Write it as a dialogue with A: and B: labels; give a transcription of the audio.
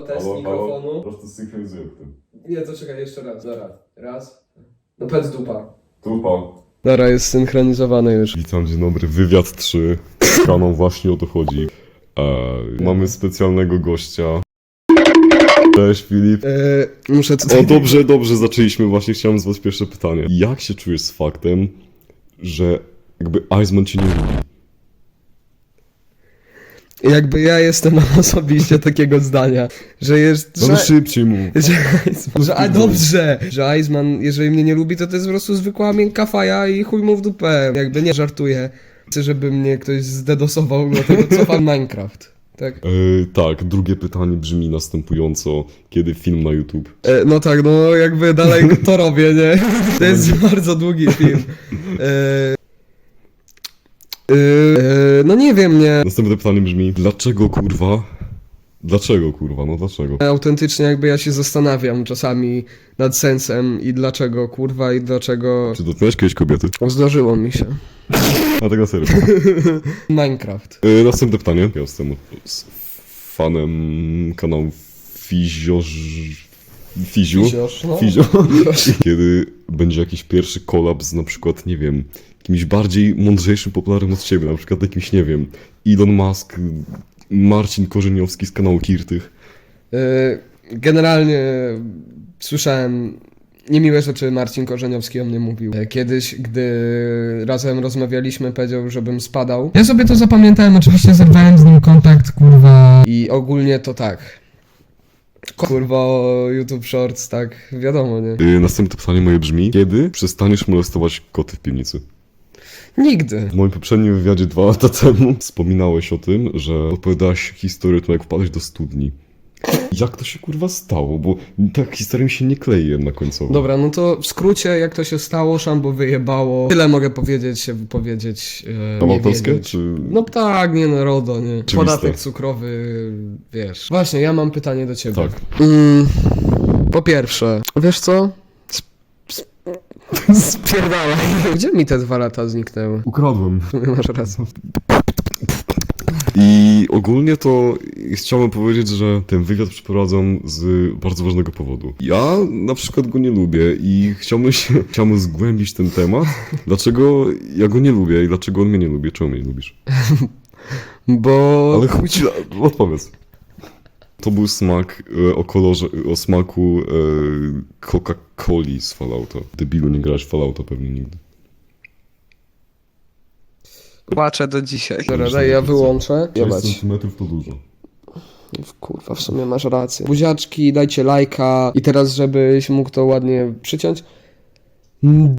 A: Test mikrofonu.
B: Po prostu synchronizuję w tym.
A: Nie, to czekaj, jeszcze raz. Dobra. Raz. No powiedz dupa.
B: Dupa.
A: Dobra, jest synchronizowany już.
B: Witam, dzień dobry. Wywiad 3. Kanon właśnie o to chodzi. Mamy specjalnego gościa. Cześć Filip.
A: Muszę tutaj...
B: O, dobrze, zaczęliśmy. Właśnie chciałem z was pierwsze pytanie. Jak się czujesz z faktem, że jakby Iceman cię nie lubi?
A: Jakby ja jestem osobiście takiego zdania, że jest...
B: No szybciej mów.
A: Że Iceman, jeżeli mnie nie lubi, to jest po prostu zwykła miękka faja i chuj mu w dupę. Jakby nie żartuję. Chcę, żeby mnie ktoś zdedosował, dlatego cofam Minecraft. Tak?
B: Tak, drugie pytanie brzmi następująco. Kiedy film na YouTube?
A: No tak, no jakby dalej to robię, nie? To jest bardzo długi film. No nie wiem, nie.
B: Następne pytanie brzmi, dlaczego kurwa? Dlaczego kurwa? No dlaczego?
A: Autentycznie jakby ja się zastanawiam czasami nad sensem i dlaczego kurwa i dlaczego...
B: Czy dotknąłeś kiedyś kobiety?
A: Zdarzyło mi się.
B: A tego serio.
A: Minecraft.
B: Następne pytanie. Ja jestem fanem kanału Fiziu.
A: Fiziosz, no.
B: Fizio. Kiedy będzie jakiś pierwszy kolaps, na przykład, nie wiem, kimś bardziej mądrzejszym, popularnym od ciebie, na przykład jakimś, nie wiem, Elon Musk, Marcin Korzeniowski z kanału Kirtych.
A: Generalnie słyszałem niemiłe rzeczy, Marcin Korzeniowski o mnie mówił. Kiedyś, gdy razem rozmawialiśmy, powiedział, żebym spadał. Ja sobie to zapamiętałem, oczywiście zerwałem z nim kontakt, kurwa. I ogólnie to tak. Kurwa o YouTube Shorts, tak, wiadomo, nie?
B: Następne pytanie moje brzmi, kiedy przestaniesz molestować koty w piwnicy?
A: Nigdy.
B: W moim poprzednim wywiadzie 2 lata temu wspominałeś o tym, że opowiadałeś historię to jak wpadłeś do studni. Jak to się kurwa stało? Bo ta historia mi się nie klei jednak końcowo.
A: Dobra, no to w skrócie, jak to się stało, szambo wyjebało. Tyle mogę powiedzieć,
B: To
A: nie
B: autorskie,
A: wiedzieć.
B: czy...
A: No tak, nie no, RODO, nie?
B: Oczywiste.
A: Podatek cukrowy, wiesz. Właśnie, ja mam pytanie do ciebie.
B: Tak.
A: Po pierwsze, wiesz co? Spierdalaj. Gdzie mi te 2 lata zniknęły?
B: Ukradłem.
A: W sumie masz rację.
B: I ogólnie to chciałbym powiedzieć, że ten wywiad przeprowadzam z bardzo ważnego powodu. Ja na przykład go nie lubię i chciałbym zgłębić ten temat. Dlaczego ja go nie lubię i dlaczego on mnie nie lubi? Czemu mnie nie lubisz?
A: Bo...
B: Ale chuj ci, odpowiedz. To był smak o smaku Coca-Coli z Fallouta. Debilu, nie grałeś w Fallouta pewnie nigdy.
A: Płaczę do dzisiaj. Dobra, daj, ja wyłączę.
B: 6
A: Jebać.
B: centymetrów to dużo.
A: Kurwa, w sumie masz rację. Buziaczki, dajcie lajka. I teraz, żebyś mógł to ładnie przyciąć.